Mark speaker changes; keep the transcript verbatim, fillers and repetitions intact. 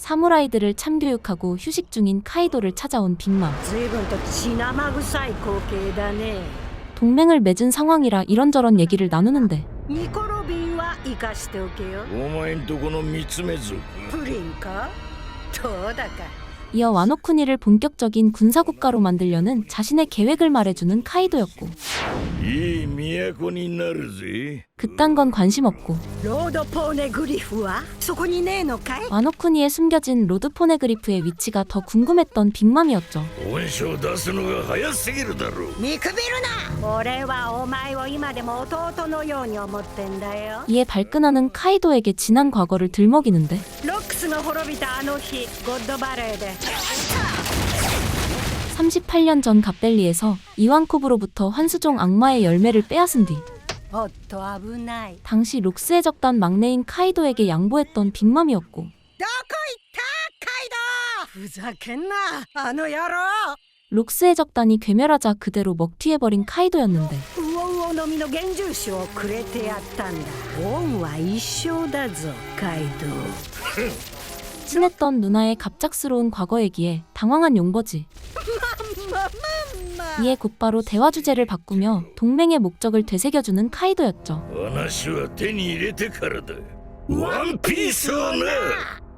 Speaker 1: 사무라이들을 참교육하고 휴식 중인 카이도를 찾아온 빅맘.
Speaker 2: 随分と血生臭い光景だね。
Speaker 1: 동맹을 맺은 상황이라 이런저런 얘기를 나누는데
Speaker 2: ニコロビンは生かしておけよ。
Speaker 3: お前んとこの三つ目族
Speaker 2: プリンかどうだか。
Speaker 1: 이어 와노쿠니를 본격적인 군사국가로 만들려는 자신의 계획을 말해주는 카이도였고
Speaker 3: いい都になるぜ。
Speaker 1: 그딴 건 관심 없고
Speaker 2: ロードポーネグリフはそこにねえのかい？
Speaker 1: 와노쿠니에 숨겨진 로드 포네그리프의 위치가 더 궁금했던 빅맘이었죠.
Speaker 3: 本性出すのが早すぎるだろう。
Speaker 2: 見くびるな。俺はお前を今でも弟のように思ってんだよ。
Speaker 1: 이에 발끈하는 카이도에게 지난 과거를 들먹이는데
Speaker 2: ロックスが滅びたあの日、ゴッドバレーで
Speaker 1: 삼십팔 년 전 갑벨리에서 이완코브로부터 환수종 악마의 열매를 빼앗은 뒤
Speaker 2: おっと危ない。
Speaker 1: 당시 록스의 적단 막내인 카이도에게 양보했던 빅맘이었고
Speaker 2: どこ行ったカイドウ。ふざけんなあの野郎。
Speaker 1: 록스의 적단이 괴멸하자 그대로 먹튀해버린 카이도였는데
Speaker 2: ウオウオの実の幻獣種をくれてやったんだ。恩は一生だぞカイドウ。
Speaker 1: 친했던 누나의 갑작스러운 과거 얘기에 당황한 용버지. 이에 곧바로 대화 주제를 바꾸며 동맹의 목적을 되새겨주는 카이도였죠.
Speaker 3: 話は手に入れてからだ。ワンピースをな。